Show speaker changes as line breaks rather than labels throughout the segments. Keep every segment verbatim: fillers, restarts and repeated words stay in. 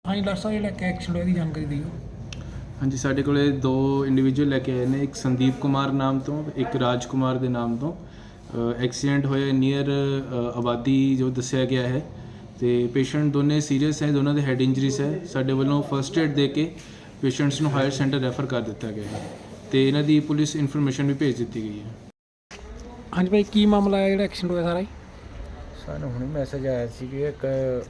ਹਾਂਜੀ ਡਾਕਟਰ ਸਾਹਿਬ ਜਿਹੜਾ ਕਿ ਐਕਸੀਡੈਂਟ ਹੋਇਆ ਦੀ ਜਾਣਕਾਰੀ ਦਿਓ।
ਹਾਂਜੀ ਸਾਡੇ ਕੋਲੇ ਦੋ ਇੰਡੀਵਿਜੂਅਲ ਲੈ ਕੇ ਆਏ ਨੇ, ਇੱਕ ਸੰਦੀਪ ਕੁਮਾਰ ਨਾਮ ਤੋਂ, ਇੱਕ ਰਾਜ ਕੁਮਾਰ ਦੇ ਨਾਮ ਤੋਂ। ਐਕਸੀਡੈਂਟ ਹੋਇਆ ਨੀਅਰ ਆਬਾਦੀ ਜੋ ਦੱਸਿਆ ਗਿਆ ਹੈ ਤੇ ਪੇਸ਼ੈਂਟ ਦੋਨੇ ਸੀਰੀਅਸ ਹੈ, ਦੋਨਾਂ ਦੇ ਹੈਡ ਇੰਜਰੀਜ਼ ਹੈ। ਸਾਡੇ ਵੱਲੋਂ ਫਰਸਟ ਏਡ ਦੇ ਕੇ ਪੇਸ਼ੈਂਟਸ ਨੂੰ ਹਾਇਰ ਸੈਂਟਰ ਰੈਫਰ ਕਰ ਦਿੱਤਾ ਗਿਆ ਹੈ ਤੇ ਇਹਨਾਂ ਦੀ ਪੁਲਿਸ ਇਨਫੋਰਮੇਸ਼ਨ ਵੀ ਭੇਜ ਦਿੱਤੀ ਗਈ ਹੈ।
ਹਾਂਜੀ ਭਾਈ ਕੀ ਮਾਮਲਾ ਹੈ ਜਿਹੜਾ ਐਕਸੀਡੈਂਟ ਹੋਇਆ ਸਾਰਾ ਹੀ?
ਸਾਨੂੰ ਹੁਣੇ ਮੈਸੇਜ ਆਇਆ ਸੀ ਕਿ ਇੱਕ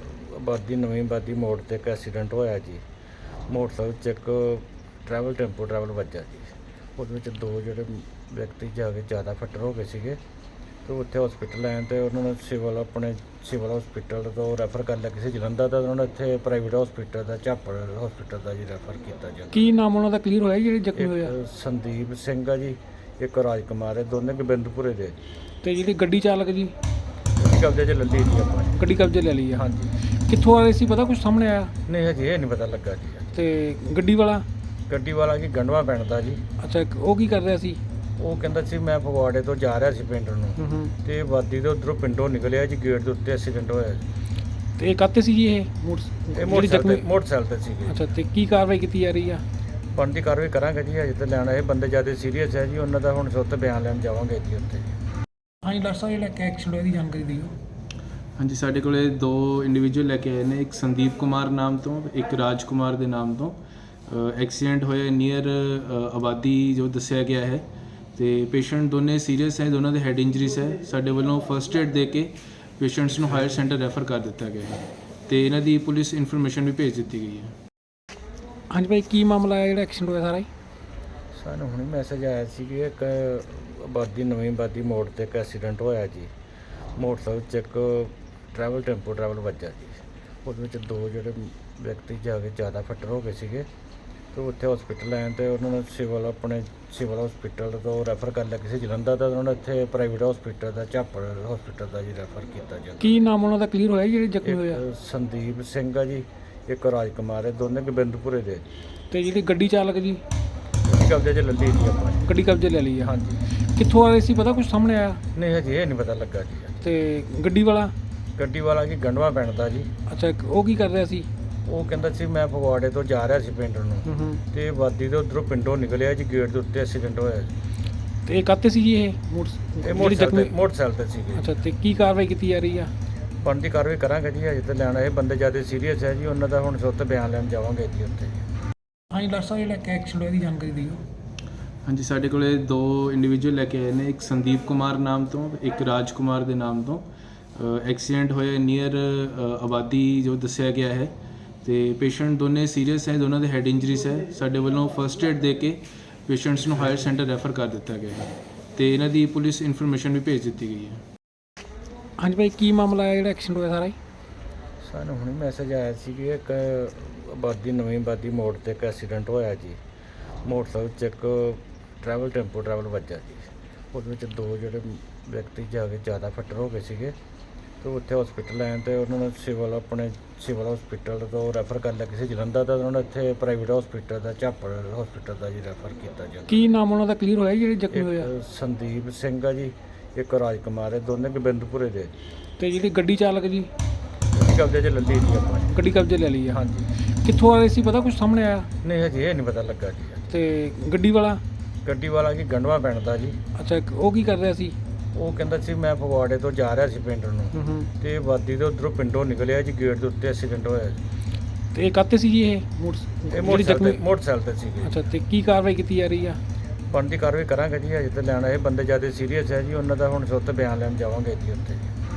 ਆਬਾਦੀ ਨਵੀਂ ਆਬਾਦੀ ਮੋੜ ਤੇ ਇੱਕ ਐਕਸੀਡੈਂਟ ਹੋਇਆ ਜੀ। ਮੋਟਰਸਾਈਕਲ 'ਚ ਇੱਕ ਟਰੈਵਲ ਟੈਂਪੋ ਟਰੈਵਲ ਵੱਜਾ ਜੀ। ਉਹਦੇ ਵਿੱਚ ਦੋ ਜਿਹੜੇ ਵਿਅਕਤੀ ਜਾ ਕੇ ਜ਼ਿਆਦਾ ਫੱਟਰ ਹੋ ਗਏ ਸੀਗੇ ਤੇ ਉੱਥੇ ਹਸਪੀਟਲ ਆਏ ਤੇ ਉਹਨਾਂ ਨੂੰ ਸਿਵਲ ਆਪਣੇ ਸਿਵਲ ਹਸਪੀਟਲ ਤੋਂ ਰੈਫਰ ਕਰ ਲਿਆ ਕਿਸੇ ਜਲੰਧਰ ਦਾ, ਉਹਨਾਂ ਨੇ ਇੱਥੇ ਪ੍ਰਾਈਵੇਟ ਹਸਪੀਟਲ ਦਾ ਝਾਪੜ ਹਸਪੀਟਲ ਦਾ ਜੀ ਰੈਫਰ ਕੀਤਾ ਜੀ।
ਕੀ ਨਾਮ ਉਹਨਾਂ ਦਾ ਕਲੀਅਰ ਹੋਇਆ ਜਿਹੜੇ ਜ਼ਖਮੀ ਹੋਇਆ?
ਇੱਕ ਸੰਦੀਪ ਸਿੰਘ ਆ ਜੀ, ਇੱਕ ਰਾਜ ਕੁਮਾਰ ਹੈ, ਦੋਨੇ ਗੋਬਿੰਦਪੁਰੇ ਦੇ ਜੀ।
ਤੇ ਜਿਹੜੀ ਗੱਡੀ ਚਾਲਕ ਜੀ
ਗੱਡੀ ਕਬਜ਼ੇ 'ਚ ਲੈ ਲਈ ਜੀ ਆਪਾਂ ਨੇ।
ਗੱਡੀ ਕਬਜ਼ੇ ਲੈ ਲਈ ਆ?
ਹਾਂਜੀ।
ਕਿੱਥੋਂ ਆ ਰਹੇ ਸੀ ਪਤਾ ਕੁਝ ਸਾਹਮਣੇ ਆਇਆ?
ਨਹੀਂ ਹਜੇ ਇਹ ਨਹੀਂ ਪਤਾ ਲੱਗਾ ਜੀ।
ਤੇ ਗੱਡੀ ਵਾਲਾ?
ਗੱਡੀ ਵਾਲਾ ਕੀ ਗੰਡਵਾ ਪਿੰਡ ਦਾ ਜੀ।
ਅੱਛਾ ਇੱਕ ਉਹ ਕੀ ਕਰ ਰਿਹਾ ਸੀ?
ਉਹ ਕਹਿੰਦਾ ਸੀ ਮੈਂ ਫਗਵਾੜੇ ਤੋਂ ਜਾ ਰਿਹਾ ਸੀ ਪਿੰਡ ਨੂੰ
ਹੂੰ ਹੂੰ।
ਤੇ ਵਾਦੀ ਦੇ ਉਧਰੋਂ ਪਿੰਡੋਂ ਨਿਕਲਿਆ ਜੀ, ਗੇਟ ਦੇ ਉੱਤੇ ਐਕਸੀਡੈਂਟ ਹੋਇਆ ਜੀ।
ਤੇ ਇਹ ਕਾਤੇ ਸੀ ਜੀ ਇਹ ਮੋਟਰ
ਇਹ
ਜਿਹੜੀ
ਮੋਟਰਸਾਈਕਲ
ਜ਼ਖਮੀ?
ਤੇ ਮੋਟਰਸਾਈਕਲ ਤੇ ਸੀਗੇ।
ਅੱਛਾ ਤੇ ਕੀ ਕਾਰਵਾਈ ਕੀਤੀ ਜਾ ਰਹੀ ਆ?
ਬਣਦੀ ਕਾਰਵਾਈ ਕਰਾਂਗੇ ਜੀ। ਅਜੇ ਤਾਂ ਲੈਣਾ ਇਹ ਬੰਦੇ ਜ਼ਿਆਦਾ ਸੀਰੀਅਸ ਹੈ ਜੀ, ਉਹਨਾਂ ਦਾ ਹੁਣ ਸੁੱਤ ਬਿਆਨ ਲੈਣ ਜਾਵਾਂਗੇ ਜੀ ਉੱਥੇ।
ਹਾਂਜੀ ਡਾਕਟਰ ਸਾਹਿਬ ਜਿਹੜਾ ਕਿ ਐਕਸੀਡੈਂਟ ਹੋਇਆ ਦੀ ਜਾਣਕਾਰੀ ਦਿਓ।
ਹਾਂਜੀ ਸਾਡੇ ਕੋਲੇ ਦੋ ਇੰਡੀਵਿਜੂਅਲ ਲੈ ਕੇ ਆਏ ਨੇ, ਇੱਕ ਸੰਦੀਪ ਕੁਮਾਰ ਨਾਮ ਤੋਂ, ਇੱਕ ਰਾਜ ਕੁਮਾਰ ਦੇ ਨਾਮ ਤੋਂ। ਐਕਸੀਡੈਂਟ ਹੋਇਆ ਨੀਅਰ ਆਬਾਦੀ ਜੋ ਦੱਸਿਆ ਗਿਆ ਹੈ ਤੇ ਪੇਸ਼ੈਂਟ ਦੋਨੇ ਸੀਰੀਅਸ ਹੈ, ਦੋਨਾਂ ਦੇ ਹੈਡ ਇੰਜਰੀਜ਼ ਹੈ। ਸਾਡੇ ਵੱਲੋਂ ਫਰਸਟ ਏਡ ਦੇ ਕੇ ਪੇਸ਼ੈਂਟਸ ਨੂੰ ਹਾਇਰ ਸੈਂਟਰ ਰੈਫਰ ਕਰ ਦਿੱਤਾ ਗਿਆ ਹੈ ਤੇ ਇਹਨਾਂ ਦੀ ਪੁਲਿਸ ਇਨਫੋਰਮੇਸ਼ਨ ਵੀ ਭੇਜ ਦਿੱਤੀ ਗਈ ਹੈ।
ਹਾਂਜੀ ਭਾਈ ਕੀ ਮਾਮਲਾ ਹੈ ਜਿਹੜਾ ਐਕਸੀਡੈਂਟ ਹੋਇਆ ਸਾਰਾ ਹੀ?
ਸਾਨੂੰ ਹੁਣੇ ਮੈਸੇਜ ਆਇਆ ਸੀ ਕਿ ਇੱਕ ਆਬਾਦੀ ਨਵੀਂ ਆਬਾਦੀ ਮੋੜ ਤੇ ਇੱਕ ਐਕਸੀਡੈਂਟ ਹੋਇਆ ਜੀ। ਮੋਟਰਸਾਈਕਲ 'ਚ ਇੱਕ ਟਰੈਵਲ ਟੈਂਪੋ ਟਰੈਵਲ ਵੱਜਾ ਜੀ। ਉਹਦੇ ਵਿੱਚ ਦੋ ਜਿਹੜੇ ਵਿਅਕਤੀ ਜਾ ਕੇ ਜ਼ਿਆਦਾ ਫੱਟਰ ਹੋ ਗਏ ਸੀਗੇ ਤੇ ਉੱਥੇ ਹਸਪੀਟਲ ਆਏ ਤੇ ਉਹਨਾਂ ਨੂੰ ਸਿਵਲ ਆਪਣੇ ਸਿਵਲ ਹਸਪੀਟਲ ਤੋਂ ਰੈਫਰ ਕਰ ਲਿਆ ਕਿਸੇ ਜਲੰਧਰ ਦਾ, ਉਹਨਾਂ ਨੇ ਇੱਥੇ ਪ੍ਰਾਈਵੇਟ ਹਸਪੀਟਲ ਦਾ ਝਾਪੜ ਹਸਪੀਟਲ ਦਾ ਜੀ ਰੈਫਰ ਕੀਤਾ ਜੀ।
ਕੀ ਨਾਮ ਉਹਨਾਂ ਦਾ ਕਲੀਅਰ ਹੋਇਆ ਜਿਹੜੇ ਜ਼ਖਮੀ ਹੋਇਆ?
ਇੱਕ ਸੰਦੀਪ ਸਿੰਘ ਆ ਜੀ, ਇੱਕ ਰਾਜ ਕੁਮਾਰ ਹੈ, ਦੋਨੇ ਗੋਬਿੰਦਪੁਰੇ ਦੇ ਜੀ।
ਤੇ ਜਿਹੜੀ ਗੱਡੀ ਚਾਲਕ ਜੀ
ਗੱਡੀ ਕਬਜ਼ੇ 'ਚ ਲੈ ਲਈ ਜੀ ਆਪਾਂ ਨੇ।
ਗੱਡੀ ਕਬਜ਼ੇ ਲੈ ਲਈ ਆ?
ਹਾਂਜੀ।
ਕਿੱਥੋਂ ਆ ਰਹੇ ਸੀ ਪਤਾ ਕੁਝ ਸਾਹਮਣੇ ਆਇਆ?
ਨਹੀਂ ਹਜੇ ਇਹ ਨਹੀਂ ਪਤਾ ਲੱਗਾ ਜੀ।
ਤੇ ਗੱਡੀ ਵਾਲਾ?
ਗੱਡੀ ਵਾਲਾ ਕੀ ਗੰਡਵਾ ਪਿੰਡ ਦਾ ਜੀ।
ਅੱਛਾ ਇੱਕ ਉਹ ਕੀ ਕਰ ਰਿਹਾ ਸੀ?
ਉਹ ਕਹਿੰਦਾ ਸੀ ਮੈਂ ਫਗਵਾੜੇ ਤੋਂ ਜਾ ਰਿਹਾ ਸੀ ਪਿੰਡ ਨੂੰ
ਹੂੰ ਹੂੰ।
ਤੇ ਵਾਦੀ ਦੇ ਉਧਰੋਂ ਪਿੰਡੋਂ ਨਿਕਲਿਆ ਜੀ, ਗੇਟ ਦੇ ਉੱਤੇ ਐਕਸੀਡੈਂਟ ਹੋਇਆ ਜੀ।
ਤੇ ਇਹ ਕਾਤੇ ਸੀ ਜੀ ਇਹ ਮੋਟਰ
ਇਹ
ਜਿਹੜੀ
ਮੋਟਰਸਾਈਕਲ
ਜ਼ਖਮੀ?
ਤੇ ਮੋਟਰਸਾਈਕਲ ਤੇ ਸੀਗੇ।
ਅੱਛਾ ਤੇ ਕੀ ਕਾਰਵਾਈ ਕੀਤੀ ਜਾ ਰਹੀ ਆ?
ਬਣਦੀ ਕਾਰਵਾਈ ਕਰਾਂਗੇ ਜੀ। ਅਜੇ ਤਾਂ ਲੈਣਾ ਇਹ ਬੰਦੇ ਜ਼ਿਆਦਾ ਸੀਰੀਅਸ ਹੈ ਜੀ, ਉਹਨਾਂ ਦਾ ਹੁਣ ਸੁੱਤ ਬਿਆਨ ਲੈਣ ਜਾਵਾਂਗੇ ਜੀ ਉੱਥੇ।
ਹਾਂਜੀ ਡਾਕਟਰ ਸਾਹਿਬ ਜਿਹੜਾ ਕਿ ਐਕਸੀਡੈਂਟ ਹੋਇਆ ਦੀ ਜਾਣਕਾਰੀ ਦਿਓ।
ਹਾਂਜੀ ਸਾਡੇ ਕੋਲੇ ਦੋ ਇੰਡੀਵਿਜੂਅਲ ਲੈ ਕੇ ਆਏ ਨੇ, ਇੱਕ ਸੰਦੀਪ ਕੁਮਾਰ ਨਾਮ ਤੋਂ, ਇੱਕ ਰਾਜ ਕੁਮਾਰ ਦੇ ਨਾਮ ਤੋਂ। ਐਕਸੀਡੈਂਟ ਹੋਇਆ ਨੀਅਰ ਆਬਾਦੀ ਜੋ ਦੱਸਿਆ ਗਿਆ ਹੈ ਤੇ ਪੇਸ਼ੈਂਟ ਦੋਨੇ ਸੀਰੀਅਸ ਹੈ, ਦੋਨਾਂ ਦੇ ਹੈਡ ਇੰਜਰੀਜ਼ ਹੈ। ਸਾਡੇ ਵੱਲੋਂ ਫਰਸਟ ਏਡ ਦੇ ਕੇ ਪੇਸ਼ੈਂਟਸ ਨੂੰ ਹਾਇਰ ਸੈਂਟਰ ਰੈਫਰ ਕਰ ਦਿੱਤਾ ਗਿਆ ਹੈ ਤੇ ਇਹਨਾਂ ਦੀ ਪੁਲਿਸ ਇਨਫੋਰਮੇਸ਼ਨ ਵੀ ਭੇਜ ਦਿੱਤੀ ਗਈ ਹੈ।
ਹਾਂਜੀ ਭਾਈ ਕੀ ਮਾਮਲਾ ਹੈ ਜਿਹੜਾ ਐਕਸੀਡੈਂਟ ਹੋਇਆ ਸਾਰਾ ਹੀ?
ਸਾਨੂੰ ਹੁਣੇ ਮੈਸੇਜ ਆਇਆ ਸੀ ਕਿ ਇੱਕ ਆਬਾਦੀ ਨਵੀਂ ਆਬਾਦੀ ਮੋੜ ਤੇ ਇੱਕ ਐਕਸੀਡੈਂਟ ਹੋਇਆ ਜੀ। ਮੋਟਰਸਾਈਕਲ 'ਚ ਇੱਕ ਟਰੈਵਲ ਟੈਂਪੋ ਟਰੈਵਲ ਵੱਜਾ ਜੀ। ਉਹਦੇ ਵਿੱਚ ਦੋ ਜਿਹੜੇ ਵਿਅਕਤੀ ਜਾ ਕੇ ਜ਼ਿਆਦਾ ਫੱਟਰ ਹੋ ਗਏ ਸੀਗੇ ਤੇ ਉੱਥੇ ਹਸਪੀਟਲ ਆਏ ਤੇ ਉਹਨਾਂ ਨੂੰ ਸਿਵਲ ਆਪਣੇ ਸਿਵਲ ਹਸਪੀਟਲ ਤੋਂ ਰੈਫਰ ਕਰ ਲਿਆ ਕਿਸੇ ਜਲੰਧਰ ਦਾ, ਉਹਨਾਂ ਨੇ ਇੱਥੇ ਪ੍ਰਾਈਵੇਟ ਹਸਪੀਟਲ ਦਾ ਝਾਪੜ ਹਸਪੀਟਲ ਦਾ ਜੀ ਰੈਫਰ ਕੀਤਾ ਜੀ।
ਕੀ ਨਾਮ ਉਹਨਾਂ ਦਾ ਕਲੀਅਰ ਹੋਇਆ ਜਿਹੜੇ ਜ਼ਖਮੀ ਹੋਇਆ?
ਇੱਕ ਸੰਦੀਪ ਸਿੰਘ ਆ ਜੀ, ਇੱਕ ਰਾਜ ਕੁਮਾਰ ਹੈ, ਦੋਨੇ ਗੋਬਿੰਦਪੁਰੇ ਦੇ ਜੀ।
ਤੇ ਜਿਹੜੀ ਗੱਡੀ ਚਾਲਕ ਜੀ
ਗੱਡੀ ਕਬਜ਼ੇ 'ਚ ਲੈ ਲਈ ਜੀ ਆਪਾਂ ਨੇ।
ਗੱਡੀ ਕਬਜ਼ੇ ਲੈ ਲਈ ਆ?
ਹਾਂਜੀ।
ਕਿੱਥੋਂ ਆ ਰਹੇ ਸੀ ਪਤਾ ਕੁਝ ਸਾਹਮਣੇ ਆਇਆ?
ਨਹੀਂ ਹਜੇ ਇਹ ਨਹੀਂ ਪਤਾ ਲੱਗਾ ਜੀ।
ਤੇ ਗੱਡੀ ਵਾਲਾ?
ਗੱਡੀ ਵਾਲਾ ਕੀ ਗੰਡਵਾ ਪਿੰਡ ਦਾ ਜੀ।
ਅੱਛਾ ਇੱਕ ਉਹ ਕੀ ਕਰ ਰਿਹਾ ਸੀ?
ਉਹ ਕਹਿੰਦਾ ਸੀ ਮੈਂ ਫਗਵਾੜੇ ਤੋਂ ਜਾ ਰਿਹਾ ਸੀ ਪਿੰਡ ਨੂੰ
ਹੂੰ ਹੂੰ।
ਤੇ ਵਾਦੀ ਦੇ ਉਧਰੋਂ ਪਿੰਡੋਂ ਨਿਕਲਿਆ ਜੀ, ਗੇਟ ਦੇ ਉੱਤੇ ਐਕਸੀਡੈਂਟ ਹੋਇਆ ਜੀ।
ਤੇ ਇਹ ਕਾਤੇ ਸੀ ਜੀ ਇਹ ਮੋਟਰ
ਇਹ
ਜਿਹੜੀ
ਮੋਟਰਸਾਈਕਲ
ਜ਼ਖਮੀ?
ਤੇ ਮੋਟਰਸਾਈਕਲ ਤੇ ਸੀਗੇ।
ਅੱਛਾ ਤੇ ਕੀ ਕਾਰਵਾਈ ਕੀਤੀ ਜਾ ਰਹੀ ਆ?
ਬਣਦੀ ਕਾਰਵਾਈ ਕਰਾਂਗੇ ਜੀ। ਅਜੇ ਤਾਂ ਲੈਣਾ ਇਹ ਬੰਦੇ ਜ਼ਿਆਦਾ ਸੀਰੀਅਸ ਹੈ ਜੀ, ਉਹਨਾਂ ਦਾ ਹੁਣ ਸੁੱਤ ਬਿਆਨ ਲੈਣ ਜਾਵਾਂਗੇ ਜੀ ਉੱਥੇ।